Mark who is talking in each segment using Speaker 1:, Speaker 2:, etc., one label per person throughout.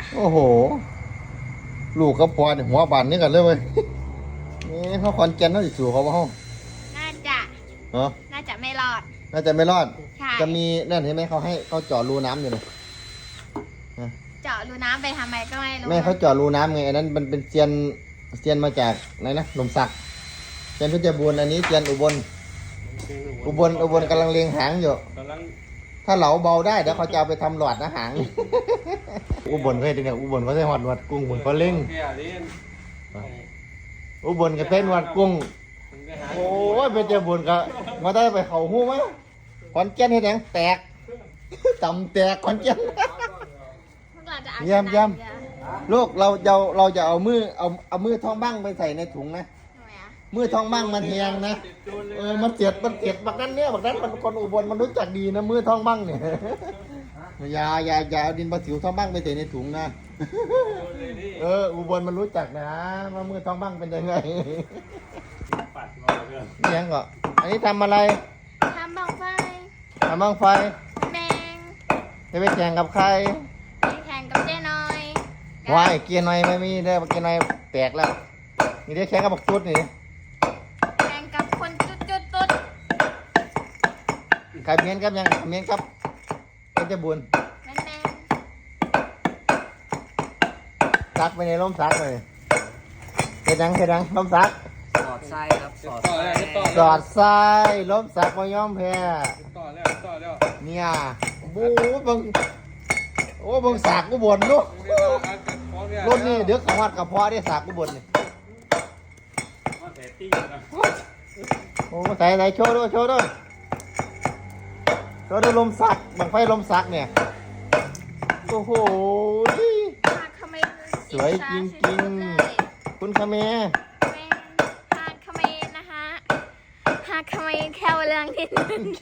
Speaker 1: โอ้โหลูกกับพ่อเนี่ยหัวบานนี่กันเลยเว้ยนี่เขาคอนแกนเขาสิสู่เขาว่าห้อง
Speaker 2: น่าจะ
Speaker 1: เนาะ
Speaker 2: น่าจะไม่รอด
Speaker 1: น่าจะไม่รอด
Speaker 2: ใช่
Speaker 1: จะมีนั่นเห็นไหมเขาให้เขาเจาะรูน้ำอยู่เลย
Speaker 2: เจาะรูน้ำไปทำไมก็ไม่รู้
Speaker 1: แม่เขาเจาะรูน้ำไงอันนั้นมันเป็นเซียนมาจากไหนนะลมสักเซียนเพชรบูรณ์อันนี้เซียนอุบลกำลังเลียงหางอยู่ถ้าเหลาเบาได้เดี๋ยวเขาจะเอาไปทำหลอดนะหางอุบลเคยเนี่ยอุบลเขาใช้หอดหนวดกุ้งเหมือนเขาเล่งอุบลก็ใช้หนวดกุ้งโอ้ยเพชรบูรณ์ก็มาได้ไปเขาหู้ไหมขอนแก่นเห็นยังแตกต่ำแตกขอนแก่นเยี่ยมลูกเราจะเอามือท้องบ้างไปใส่ในถุงนะมือท้องบ้างมันแหงนะมันเจ็บบักนั้นมันคนอุบลมันรู้จักดีนะมือท้องบ้างเนี่ยอย่าเอาดินประสิวท้องบ้างไปใส่ในถุงนะอุบลมันรู้จักนะว่ามือท้องบ้างเป็นยังไงนี่ยังก็อันนี้ทำอะไร
Speaker 2: ทำบังไฟแดง
Speaker 1: จะไปแข่งกับใคร
Speaker 2: แข่งกับเจ๊น้อยว
Speaker 1: ายเกียร์หน่อยไม่มีได้เกียร์หน่อยแตกแล้วนี่ได้แข่งกับบักตุ๊ดนี่
Speaker 2: แข่งกับคนจุด
Speaker 1: ใครเมียนครับยังเมียนครับเป็นจะบุญ
Speaker 2: แมน
Speaker 1: ซักไปในร่มซักเลยเฮ็ดดังร่มซัก
Speaker 3: สอดไส้ครับสอด
Speaker 1: ไส้ร่มซักบ่ยอมแพ้
Speaker 3: ต่อแล้ว
Speaker 1: เนี่ยบูบังโอ้บังสากกูบ่นลูกรุ่นนี้เดี๋ยวขวัดกับพ่อได้สากกูบ่นนี่โอ้ใส่โชว์ด้วยลมซักบังไฟลมซักเนี่ยโอ้โหสวยจริงๆคุณคาเม
Speaker 2: ฮาคาเมนนะคะฮาคาเมนแค่เรื่องนิดนึง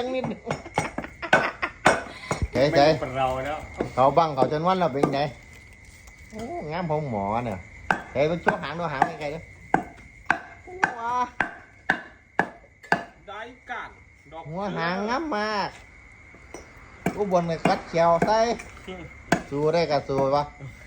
Speaker 1: ใจเขาบังเขาจนวันเราเป็นไงโอ้งามของหมอเนี่ยใจเป็นช่วงหางด้วยหางไงด้วยว้า
Speaker 3: ได้กัน
Speaker 1: หัวหางงามมากอุบลเลยคัดเขียวใส่สู้ได้กับสู้ปะ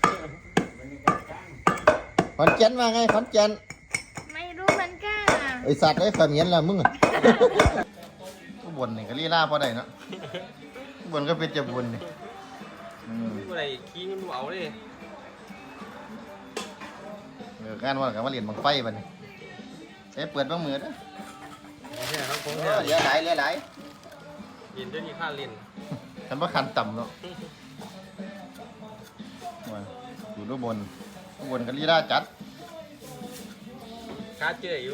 Speaker 1: ขอนแก่นมาไงขอนแก่น
Speaker 2: ไม่รู้เหมือนกัน
Speaker 1: ไอสัตว์ไอ้ขมิ้นละมึงอุบลนี่ก็ลีลาพอได้เนาะอุบลก็เป็นจะบุญนี่
Speaker 3: อะไรขี้มันเอาเลย
Speaker 1: การว่ากับว่าเหรียญบังไฟบัดนี้ใช้เปิดบ้างมือนะเลี้ยไหล
Speaker 3: เรียนด้วยนี่ค่าเรียน
Speaker 1: ฉันว่าคันต่ำเนาะอยู่ด้านบนก็ลีลาจัด
Speaker 3: ค่าเจออยู่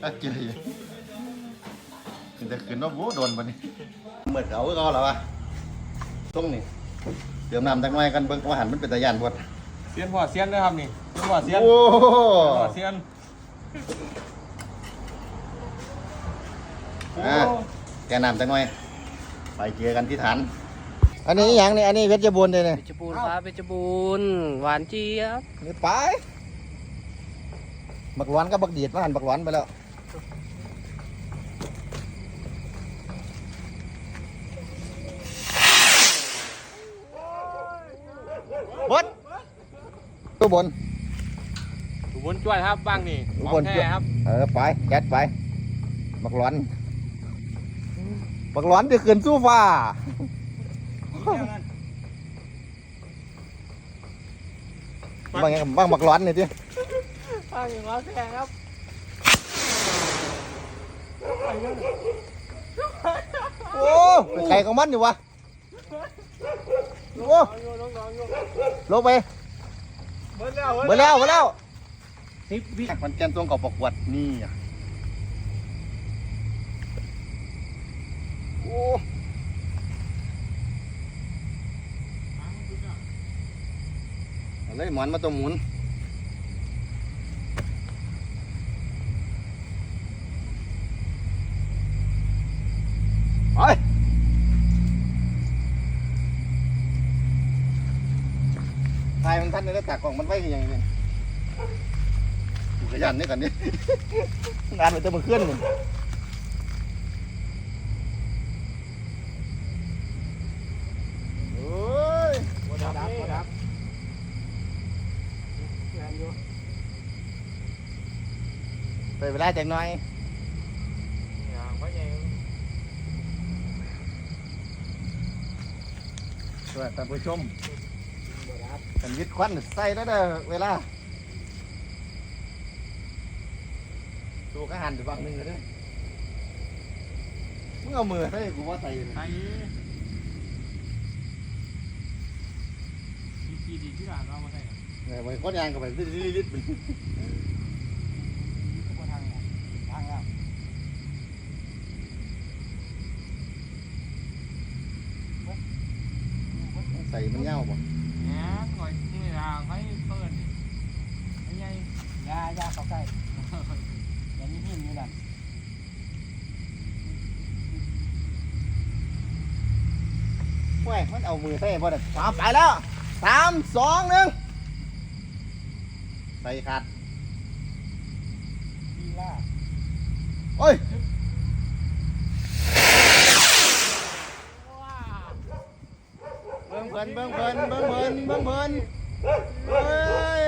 Speaker 1: แต่ขึ้นว่าโว้โดนบัดนี้เหมือนเขาเหรอวะตรงนี้เดี๋ยวน้ำตั้งไว้กันเบิ่งว่าหันมันเป็นตะยานพอด
Speaker 3: เซียนหัวเซียนด้วยครับนี่หัวเซียนหัวเซียน
Speaker 1: แกน้ำตั้งไว้ไปเจอกันที่ฐานอันนี้อย่างนี้อันนี้เพชรบูรณ์เลยเนี่ย
Speaker 3: เพชรบูรณ์ครับเพชรบูรณ์หวานเจี๊ยบ
Speaker 1: นี่ไปบักหวานกับบักเดียดมาหันบักหวานไปแล้วบดตัวบน
Speaker 3: จ้วยครับบ้างนี่
Speaker 1: บนแค่ครับไปยัดไปบักหลอนจะขึ้นสู้ฟ้าบ้างบักหลอนนี่ดิ
Speaker 3: บ้างอย่างร้อนแค่ครับ
Speaker 1: โอ้ใครของมันอยู่วะโอ้ลงไปเบิดแล้ว10 วิมันแกนตัวกับประกวดนี่โอ้อะไรหมอนมาตัวหมุนไปทายมันทันเลยตักกล่องมันไว้ยังไงเนี่ยขยันนี่กันนี่งานมันจะมาเคลื่อนเลยเวลาจังน้อยสวัสดีท่านผู้ชมกันยึดควันใส่แล้วเด้อเวลาตัวก็หันไปฝั่งหนึงเลยเด้อมึงเอามือใส่กูว่าใส่เลย
Speaker 3: ไอ้ดีที่ร้านเรามาใส่
Speaker 1: เนี่ยมันก้อนยางกับไปลิดๆมัน
Speaker 3: ก็ทางแล้ว
Speaker 1: ใส่มันเง่าบ่
Speaker 3: เนี่ยหน่อยนี่ทางให้เปิดไม่ใหญ่ยาเข้าใกล้อย่างนี้หินอยู่นั่น
Speaker 1: เว้ยมันเอามือใส่บ่ได้สามไปแล้ว3 2 1ใส่ขาด
Speaker 3: ดีล่า
Speaker 1: โอ้ยเบิ่งเพิ่นเฮ้ย